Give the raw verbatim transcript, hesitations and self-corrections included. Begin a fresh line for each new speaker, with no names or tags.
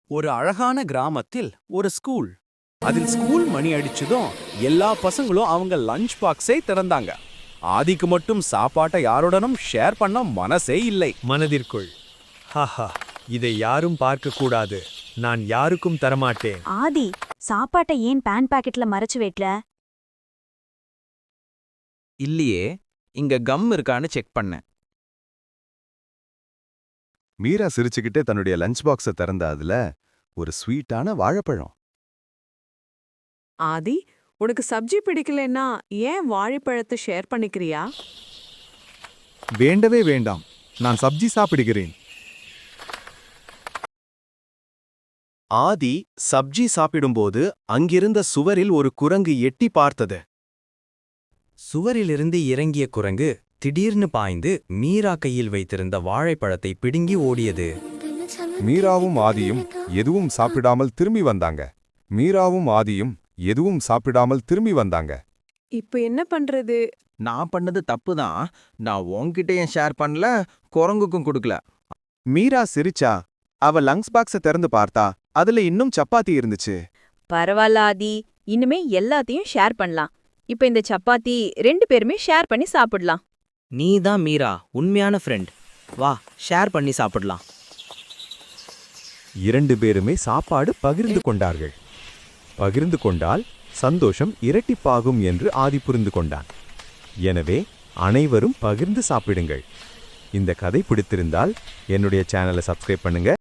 ஒரு அழகான கிராமத்தில் ஒரு ஸ்கூல். அதில் ஸ்கூல் மணி அடிச்சதும் எல்லா பசங்களும் அவங்க லஞ்ச் பாக்ஸை திறந்தாங்க. ஆதிக்கு மட்டும் சாப்பாட்டை யாருடனும் ஷேர் பண்ண மனசே இல்லை.
மனதிற்குள், ஹாஹா, இதை யாரும் பார்க்க கூடாது, நான் யாருக்கும் தரமாட்டேன்.
ஆதி, சாப்பாட்டை ஏன் பேன் பாக்கெட்ல மறைச்சு வைக்கல?
இல்லையே, இங்க கம் இருக்கான்னு செக் பண்ணேன்.
மீரா சிரிச்சுக்கிட்டே தன்னுடைய லஞ்ச் பாக்ஸை திறந்த அதுல ஒரு ஸ்வீட்டான வாழைப்பழம்.
ஆதி, உனக்கு சப்ஜி பிடிக்கலன்னா ஏன் வாழைப்பழத்தை ஷேர் பண்ணிக்கிறியா?
வேண்டவே வேண்டாம், நான் சப்ஜி சாப்பிடுகிறேன்.
ஆதி சப்ஜி சாப்பிடும்போது அங்கிருந்த சுவரில் ஒரு குரங்கு எட்டி பார்த்தது.
சுவரிலிருந்து இறங்கிய குரங்கு திடீர்னு பாய்ந்து மீரா கையில் வைத்திருந்த வாழைப்பழத்தை பிடுங்கி ஓடியது.
மீராவும் ஆதியும் எதுவும் சாப்பிடாமல் திரும்பி வந்தாங்க. மீராவும் ஆதியும் எதுவும் சாப்பிடாமல் திரும்பி வந்தாங்க.
இப்ப என்ன பண்றது?
நான் பண்ணது தப்பு தான். நான் உன்கிட்டயும் ஷேர் பண்ணல, குரங்குக்கும் கொடுக்கல.
மீரா சிரிச்சா. அவ லங்ஸ் பாக்ஸை திறந்து பார்த்தா அதுல இன்னும் சப்பாத்தி இருந்துச்சு.
பரவாயில்ல ஆதி, இனிமே எல்லாத்தையும் ஷேர் பண்ணலாம். இப்ப இந்த சப்பாத்தி ரெண்டு பேருமே ஷேர் பண்ணி சாப்பிடலாம்.
நீ தான் மீரா, உண்மையான ஃப்ரெண்ட். வா, ஷேர் பண்ணி சாப்பிடலாம்.
இரண்டு பேருமே சாப்பாடு பகிர்ந்து கொண்டார்கள். பகிர்ந்து கொண்டால் சந்தோஷம் இரட்டிப்பாகும் என்று ஆதி புரிந்து கொண்டான். எனவே அனைவரும் பகிர்ந்து சாப்பிடுங்கள். இந்த கதை பிடித்திருந்தால் என்னுடைய சேனலை சப்ஸ்கிரைப் பண்ணுங்க.